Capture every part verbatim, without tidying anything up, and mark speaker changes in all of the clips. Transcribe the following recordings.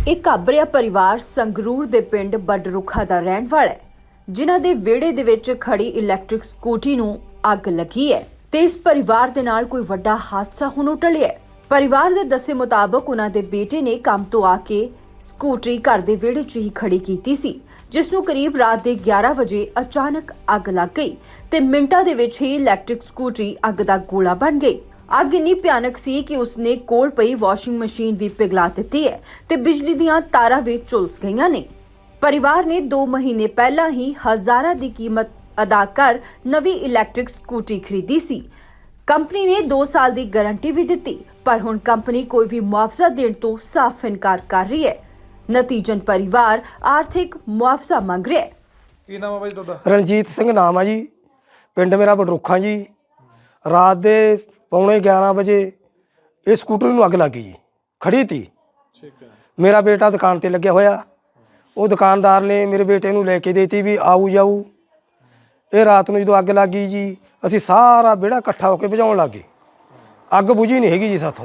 Speaker 1: एक घाबरिया परिवार संगरूर दे पिंड बडरुखा दा रहण वाला है, जिन्हां दे विहड़े दे विच खड़ी इलैक्ट्रिक स्कूटी नूं अग लगी है ते इस परिवार दे नाल कोई वड्डा हादसा हुण टलिया है। परिवार दे दस्से मुताबक उन्हां दे बेटे ने काम तो आके स्कूटरी घर दे विहड़े 'ਚ ही खड़ी कीती सी, जिस नूं करीब रात दे ग्यारह वजे अचानक अग लग गई ते मिंटां दे विच ही इलैक्ट्रिक स्कूटरी अग दा गोला बन गई। अग इन्नी भयानक सी कि उसने कोल पई वाशिंग मशीन भी पिघला दित्ती है ते बिजली दीयां तारां भी झुलस गईयां ने। परिवार ने दो महीने पहला ही हजारां दी कीमत अदा कर नवी इलैक्ट्रिक स्कूटी खरीदी सी। कंपनी ने दो साल दी गारंटी भी दित्ती, पर हुण कंपनी कोई भी मुआवजा देण तो साफ इनकार कर रही है। नतीजन परिवार आर्थिक मुआवजा मंग रहा है।
Speaker 2: ਕੀ ਨਾਮ ਹੈ ਬਾਈ ਤੁਹਾਡਾ?
Speaker 3: ਰਣਜੀਤ ਸਿੰਘ ਨਾਮ ਆ ਜੀ। ਪਿੰਡ ਮੇਰਾ ਬਡਰੁੱਖਾਂ ਜੀ। ਰਾਤ ਦੇ ਪੌਣੇ ਗਿਆਰਾਂ ਵਜੇ ਇਹ ਸਕੂਟਰ ਨੂੰ ਅੱਗ ਲੱਗ ਗਈ ਜੀ, ਖੜੀ ਤੀ।
Speaker 2: ਠੀਕ ਹੈ।
Speaker 3: ਮੇਰਾ ਬੇਟਾ ਦੁਕਾਨ ਤੇ ਲੱਗਿਆ ਹੋਇਆ, ਉਹ ਦੁਕਾਨਦਾਰ ਨੇ ਮੇਰੇ ਬੇਟੇ ਨੂੰ ਲੈ ਕੇ ਦੇਤੀ ਵੀ ਆਊ ਜਾਊ। ਇਹ ਰਾਤ ਨੂੰ ਜਦੋਂ ਅੱਗ ਲੱਗ ਗਈ ਜੀ, ਅਸੀਂ ਸਾਰਾ ਵਿਹੜਾ ਇਕੱਠਾ ਹੋ ਕੇ ਬੁਝਾਉਣ ਲੱਗ ਗਏ। ਅੱਗ ਬੁਝੀ ਨਹੀਂ ਹੈਗੀ ਜੀ ਸਾਥੋਂ।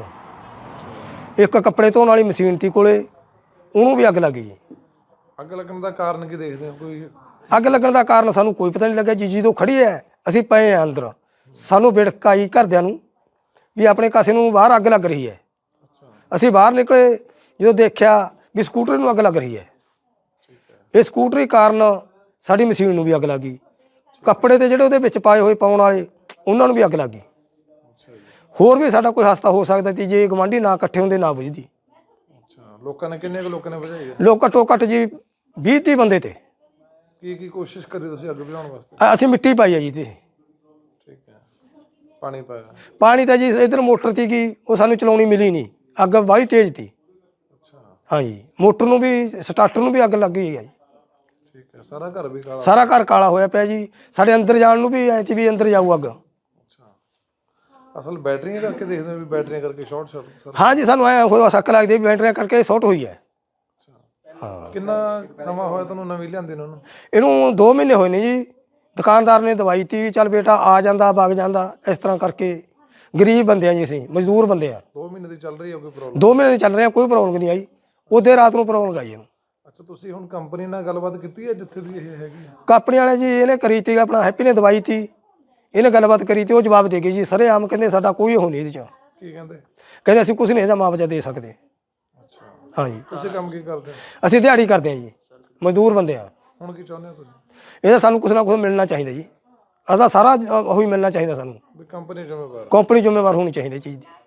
Speaker 3: ਇੱਕ ਕੱਪੜੇ ਧੋਣ ਵਾਲੀ ਮਸ਼ੀਨ ਤੀ ਕੋਲੇ, ਉਹਨੂੰ ਵੀ ਅੱਗ ਲੱਗ ਗਈ ਜੀ।
Speaker 2: ਅੱਗ ਲੱਗਣ ਦਾ ਕਾਰਨ ਕੀ ਦੇਖਦੇ ਹੋ? ਕੋਈ
Speaker 3: ਅੱਗ ਲੱਗਣ ਦਾ ਕਾਰਨ ਸਾਨੂੰ ਕੋਈ ਪਤਾ ਨਹੀਂ ਲੱਗਿਆ ਜੀ। ਜਦੋਂ ਖੜੀ ਹੈ ਅਸੀਂ ਪਏ ਹਾਂ ਅੰਦਰ, ਸਾਨੂੰ ਵਿੜਕ ਆਈ ਘਰਦਿਆਂ ਨੂੰ ਵੀ ਆਪਣੇ ਕਾਸੇ ਨੂੰ ਬਾਹਰ ਅੱਗ ਲੱਗ ਰਹੀ ਹੈ। ਅਸੀਂ ਬਾਹਰ ਨਿਕਲੇ, ਜਦੋਂ ਦੇਖਿਆ ਵੀ ਸਕੂਟਰ ਨੂੰ ਅੱਗ ਲੱਗ ਰਹੀ ਹੈ। ਇਹ ਸਕੂਟਰੀ ਕਾਰਨ ਸਾਡੀ ਮਸ਼ੀਨ ਨੂੰ ਵੀ ਅੱਗ ਲੱਗ ਗਈ। ਕੱਪੜੇ ਤੇ ਜਿਹੜੇ ਉਹਦੇ ਵਿੱਚ ਪਾਏ ਹੋਏ ਪਾਉਣ ਵਾਲੇ, ਉਹਨਾਂ ਨੂੰ ਵੀ ਅੱਗ ਲੱਗ ਗਈ। ਹੋਰ ਵੀ ਸਾਡਾ ਕੋਈ ਹਾਦਸਾ ਹੋ ਸਕਦਾ ਸੀ ਜੇ ਗਵਾਂਢੀ ਨਾ ਇਕੱਠੇ ਹੁੰਦੇ, ਨਾ ਬੁਝਦੀ।
Speaker 2: ਅੱਛਾ, ਲੋਕਾਂ ਨੇ ਕਿੰਨੇ ਕੁ ਲੋਕਾਂ ਨੇ ਬੁਝਾਈ ਹੈ?
Speaker 3: ਲੋਕ ਘੱਟੋ ਘੱਟ ਜੀ ਵੀਹ ਤੀਹ ਬੰਦੇ ਤੇ।
Speaker 2: ਕੀ ਕੀ ਕੋਸ਼ਿਸ਼ ਕਰੀ ਤੁਸੀਂ ਅੱਗ ਬੁਝਾਉਣ ਵਾਸਤੇ?
Speaker 3: ਅ- ਅਸੀਂ ਮਿੱਟੀ ਪਾਈ ਹੈ ਜੀ ਤੇ
Speaker 2: ਠੀਕ ਹੈ। ਪਾਣੀ ਪਾਇਆ?
Speaker 3: ਪਾਣੀ ਤਾਂ ਜੀ ਇੱਧਰ ਮੋਟਰ ਤੀ ਗਈ, ਉਹ ਸਾਨੂੰ ਚਲਾਉਣੀ ਮਿਲੀ ਨਹੀਂ, ਅੱਗ ਬਾਹਲੀ ਤੇਜ਼ ਤੀ।
Speaker 2: ਅੱਛਾ,
Speaker 3: ਹਾਂਜੀ, ਮੋਟਰ ਨੂੰ ਵੀ ਸਟਾਰਟਰ ਨੂੰ ਵੀ ਅੱਗ ਲੱਗ ਗਈ ਹੈ ਜੀ।
Speaker 2: ਠੀਕ ਹੈ। ਸਾਰਾ ਘਰ ਵੀ ਕਾਲਾ?
Speaker 3: ਸਾਰਾ ਘਰ ਕਾਲਾ ਹੋਇਆ ਪਿਆ ਜੀ। ਸਾਡੇ ਅੰਦਰ ਜਾਣ ਨੂੰ ਵੀ ਐਂ ਤੀ ਵੀ ਅੰਦਰ ਜਾਊ ਅੱਗ।
Speaker 2: ਅੱਛਾ, ਅਸਲ ਬੈਟਰੀਆਂ ਕਰਕੇ ਦੇਖਦੇ ਹੋ ਵੀ ਬੈਟਰੀਆਂ ਕਰਕੇ ਸ਼ਾਰਟ ਸਰਕਟ?
Speaker 3: ਹਾਂਜੀ, ਸਾਨੂੰ ਐਂ ਹੋਇਆ ਸ਼ੱਕ ਲੱਗਦੀ ਹੈ ਵੀ ਬੈਟਰੀਆਂ ਕਰਕੇ ਸ਼ਾਰਟ ਹੋਈ ਹੈ। ਹਾਂ।
Speaker 2: ਕਿੰਨਾ ਸਮਾਂ ਹੋਇਆ ਤੁਹਾਨੂੰ ਨਵੀਂ ਲਿਆਂਦੀ ਨੂੰ?
Speaker 3: ਇਹਨੂੰ ਦੋ ਮਹੀਨੇ ਹੋਏ ਨੇ ਜੀ। ਦੁਕਾਨਦਾਰ ਨੇ ਦਵਾਈ ਤੀ ਵੀ ਚੱਲ ਬੇਟਾ ਆ ਜਾਂਦਾ ਵਗ ਜਾਂਦਾ, ਇਸ ਤਰ੍ਹਾਂ ਕਰਕੇ। ਗਰੀਬ ਬੰਦੇ ਆ ਜੀ ਅਸੀਂ, ਮਜ਼ਦੂਰ ਬੰਦੇ ਆ।
Speaker 2: ਦੋ ਮਹੀਨੇ ਦੀ ਚੱਲ ਰਹੀ ਹੈ ਕੋਈ ਪ੍ਰੋਬਲਮ?
Speaker 3: ਦੋ ਮਹੀਨੇ ਚੱਲ ਰਹੇ ਆ, ਕੋਈ ਪ੍ਰੋਬਲਮ ਨਹੀਂ ਆਈ। ਉਹਦੇ ਰਾਤ ਨੂੰ ਪ੍ਰੋਬਲਮ ਆਈ ਇਹਨੂੰ।
Speaker 2: ਅੱਛਾ, ਤੁਸੀਂ ਹੁਣ ਕੰਪਨੀ ਨਾਲ ਗੱਲਬਾਤ ਕੀਤੀ ਹੈ ਜਿੱਥੇ ਦੀ ਇਹ ਹੈਗੀ?
Speaker 3: ਕੰਪਨੀ ਵਾਲੇ ਜੀ ਇਹਨੇ ਕਰੀ ਤੀ, ਆਪਣਾ ਹੈਪੀ ਨੇ ਦਵਾਈ ਤੀ, ਇਹਨੇ ਗੱਲਬਾਤ ਕਰੀ ਤੀ। ਉਹ ਜਵਾਬ ਦੇ ਗਏ ਜੀ ਸਾਰੇ ਆਮ, ਕਹਿੰਦੇ ਸਾਡਾ ਕੋਈ ਉਹ ਨਹੀਂ ਇਹਦੇ 'ਚ।
Speaker 2: ਕੀ ਕਹਿੰਦੇ?
Speaker 3: ਕਹਿੰਦੇ ਅਸੀਂ ਕੁਛ ਨਹੀਂ ਇਹਦਾ ਮੁਆਵਜ਼ਾ ਦੇ ਸਕਦੇ।
Speaker 2: ਅੱਛਾ,
Speaker 3: ਹਾਂਜੀ।
Speaker 2: ਤੁਸੀਂ ਕੰਮ ਕੀ ਕਰਦੇ ਹੋ?
Speaker 3: ਅਸੀਂ ਦਿਹਾੜੀ ਕਰਦੇ ਹਾਂ ਜੀ, ਮਜ਼ਦੂਰ ਬੰਦੇ ਆ।
Speaker 2: ਹੁਣ ਕੀ ਚਾਹੁੰਦੇ ਹੋ ਤੁਸੀਂ?
Speaker 3: ਇਹਦਾ ਸਾਨੂੰ ਕੁਛ ਨਾ ਕੁਛ ਮਿਲਣਾ ਚਾਹੀਦਾ ਜੀ। ਅਦਾ ਸਾਰਾ ਉਹੀ ਮਿਲਣਾ ਚਾਹੀਦਾ ਸਾਨੂੰ।
Speaker 2: ਵੀ ਕੰਪਨੀ ਜ਼ਿੰਮੇਵਾਰ?
Speaker 3: ਕੰਪਨੀ ਜ਼ਿੰਮੇਵਾਰ ਹੋਣੀ ਚਾਹੀਦੀ ਚੀਜ਼ ਦੀ।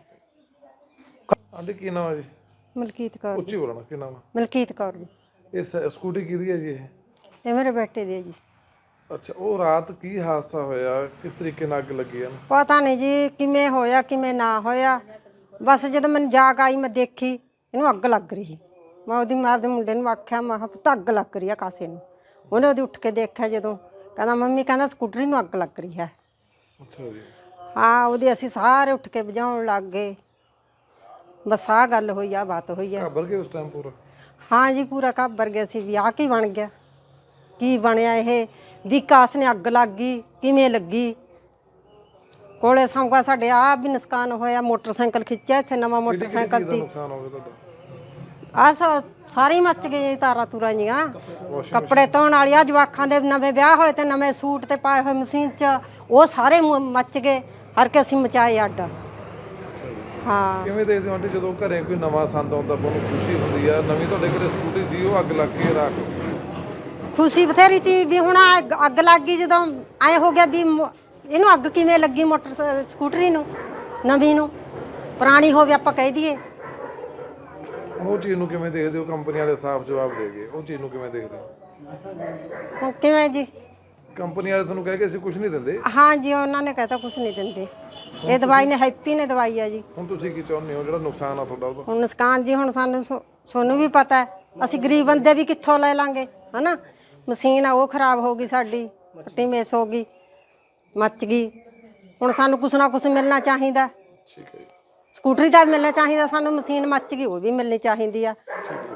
Speaker 2: ਆਂਟੀ ਕੀ ਨਾਮ ਹੈ ਜੀ?
Speaker 4: ਮਲਕੀਤ ਕੌਰ।
Speaker 2: ਉੱਚੀ ਬੋਲਣਾ। ਕੀ ਨਾਮ ਹੈ?
Speaker 4: ਮਲਕੀਤ ਕੌਰ ਜੀ।
Speaker 2: ਇਹ ਸ- ਸਕੂਟੀ ਕਿਹਦੀ ਹੈ ਜੀ ਇਹ?
Speaker 4: ਇਹ ਮੇਰੇ ਬੇਟੇ ਦੀ ਹੈ ਜੀ।
Speaker 2: ਅੱਛਾ, ਉਹ ਰਾਤ ਕੀ ਹਾਦਸਾ ਹੋਇਆ? ਕਿਸ ਤਰੀਕੇ ਨਾਲ ਅੱਗ ਲੱਗੀ ਇਹਨੂੰ?
Speaker 4: ਪਤਾ ਨਹੀਂ ਜੀ ਕਿਵੇਂ ਹੋਇਆ ਕਿਵੇਂ ਨਾ ਹੋਇਆ। ਬਸ ਜਦੋਂ ਮੈਨੂੰ ਜਾਗ ਆਈ, ਮੈਂ ਦੇਖੀ ਇਹਨੂੰ ਅੱਗ ਲੱਗ ਰਹੀ। ਮੈਂ ਉਹਦੀ ਮਾਂ ਦੇ ਮੁੰਡੇ ਨੂੰ ਆਖਿਆ, ਮੈਂ ਕਿਹਾ ਪੁੱਤ ਅੱਗ ਲੱਗ ਰਹੀ ਆ ਕਾਸੇ ਨੂੰ। ਉਹਨੇ ਉਹਦੀ ਉੱਠ ਕੇ ਦੇਖਿਆ, ਜਦੋਂ ਕਹਿੰਦਾ ਮੰਮੀ ਕਹਿੰਦਾ ਸਕੂਟਰੀ ਨੂੰ ਅੱਗ ਲੱਗ ਰਹੀ ਹੈ।
Speaker 2: ਅੱਛਾ ਜੀ।
Speaker 4: ਹਾਂ, ਉਹਦੇ ਅਸੀਂ ਸਾਰੇ ਉੱਠ ਕੇ ਬੁਝਾਉਣ ਲੱਗ ਗਏ। ਬਸ ਆਹ ਗੱਲ ਹੋਈ, ਆ ਬਾਤ ਹੋਈ ਹੈ।
Speaker 2: ਘਾਬਰ ਗਏ ਉਸ ਟਾਈਮ ਪੂਰਾ?
Speaker 4: ਹਾਂ ਜੀ, ਪੂਰਾ ਘਾਬਰ ਗਿਆ ਸੀ ਵੀ ਆਹ ਕੀ ਬਣ ਗਿਆ, ਕੀ ਬਣਿਆ ਇਹ। ਵੀ ਕਾਸ ਨੇ ਅੱਗ ਲੱਗ ਗਈ, ਕਿਵੇਂ ਲੱਗੀ। ਕੋਲੇ ਸੰਗਾ ਸਾਡੇ ਆਹ ਵੀ ਨੁਕਸਾਨ ਹੋਇਆ। ਮੋਟਰਸਾਈਕਲ ਖਿੱਚਿਆ ਇੱਥੇ, ਨਵਾਂ ਮੋਟਰਸਾਈਕਲ ਸੀ।
Speaker 2: ਨੁਕਸਾਨ ਹੋ ਗਿਆ ਤੁਹਾਡਾ?
Speaker 4: ਆਹ ਸਾਰੇ ਮੱਚ ਗਏ, ਤਾਰਾਂ ਤੂਰਾਂ ਜੀਆਂ, ਕੱਪੜੇ ਧੋਣ ਵਾਲੀਆਂ, ਜਵਾਕਾਂ ਦੇ ਨਵੇਂ ਵਿਆਹ ਹੋਏ ਤੇ ਨਵੇਂ ਸੂਟ ਤੇ ਪਾਏ ਹੋਏ ਮਸ਼ੀਨ 'ਚ, ਉਹ ਸਾਰੇ ਮ- ਮੱਚ ਗਏ। ਹਰ ਕੇ ਅਸੀਂ ਮਚਾਏ ਅੱਡ। ਹਾਂ।
Speaker 2: ਕਿਵੇਂ ਦੇਖਦੇ ਹੋ ਆਂਟੀ, ਜਦੋਂ ਘਰੇ ਕੋਈ ਨਵਾਂ ਸੰਦ ਆਉਂਦਾ ਬਹੁਤ ਖੁਸ਼ੀ ਹੁੰਦੀ ਆ? ਨਵੀਂ ਤੁਹਾਡੇ ਘਰੇ ਸਕੂਟੀ ਸੀ, ਉਹ ਅੱਗ ਲੱਗ ਕੇ ਰਾਖ?
Speaker 4: ਖੁਸ਼ੀ ਬਥੇਰੀ ਤੀ ਵੀ ਹੁਣ ਅੱਗ ਅੱਗ ਲੱਗ ਗਈ। ਜਦੋਂ ਐਂ ਹੋ ਗਿਆ ਵੀ ਮ- ਇਹਨੂੰ ਅੱਗ ਕਿਵੇਂ ਲੱਗੀ, ਮੋਟਰ ਸਕੂਟਰੀ ਨੂੰ, ਨਵੀਂ ਨੂੰ। ਪੁਰਾਣੀ ਹੋਵੇ ਆਪਾਂ ਕਹਿ ਦਈਏ।
Speaker 2: ਉਹ ਚੀਜ਼ ਨੂੰ ਕਿਵੇਂ ਦੇਖਦੇ ਹੋ? ਕੰਪਨੀ ਵਾਲੇ ਸਾਫ਼ ਜਵਾਬ ਦੇ ਗਏ, ਉਹ ਚੀਜ਼ ਨੂੰ ਕਿਵੇਂ ਦੇਖਦੇ ਹੋ?
Speaker 4: ਹੁਣ ਕਿਵੇਂ ਜੀ?
Speaker 2: ਕੰਪਨੀ ਵਾਲੇ ਤੁਹਾਨੂੰ ਕਹਿ ਕੇ ਅਸੀਂ ਕੁਝ ਨਹੀਂ ਦਿੰਦੇ?
Speaker 4: ਹਾਂ ਜੀ, ਉਹਨਾਂ ਨੇ ਕਹਿਤਾ ਕੁਝ ਨਹੀਂ ਦਿੰਦੇ। ਇਹ ਦਵਾਈ ਨੇ ਹੈਪੀ ਨੇ ਦਵਾਈ ਆ ਜੀ।
Speaker 2: ਹੁਣ ਤੁਸੀਂ ਕੀ ਚਾਹੁੰਦੇ ਹੋ ਜਿਹੜਾ ਨੁਕਸਾਨ ਆ ਤੁਹਾਡਾ ਉਹਦਾ?
Speaker 4: ਹੁਣ ਨੁਕਸਾਨ ਜੀ, ਹੁਣ ਸਾਨੂੰ ਸੋ- ਸਾਨੂੰ ਵੀ ਪਤਾ ਹੈ, ਅਸੀਂ ਗਰੀਬ ਬੰਦੇ ਵੀ ਕਿੱਥੋਂ ਲੈ ਲਾਂਗੇ, ਹਨਾ। ਮਸ਼ੀਨ ਆ ਉਹ ਖਰਾਬ ਹੋ ਗਈ ਸਾਡੀ, ਪੱਟੀ ਮੇਸ ਹੋ ਗਈ, ਮੱਚ ਗਈ। ਹੁਣ ਸਾਨੂੰ ਕੁਛ ਨਾ ਕੁਛ ਮਿਲਣਾ ਚਾਹੀਦਾ।
Speaker 2: ਠੀਕ ਹੈ ਜੀ।
Speaker 4: ਸਕੂਟਰੀ ਦਾ ਵੀ ਮਿਲਣਾ ਚਾਹੀਦਾ ਸਾਨੂੰ, ਮਸ਼ੀਨ ਮੱਚ ਗਈ ਉਹ ਵੀ ਮਿਲਣੀ ਚਾਹੀਦੀ ਆ।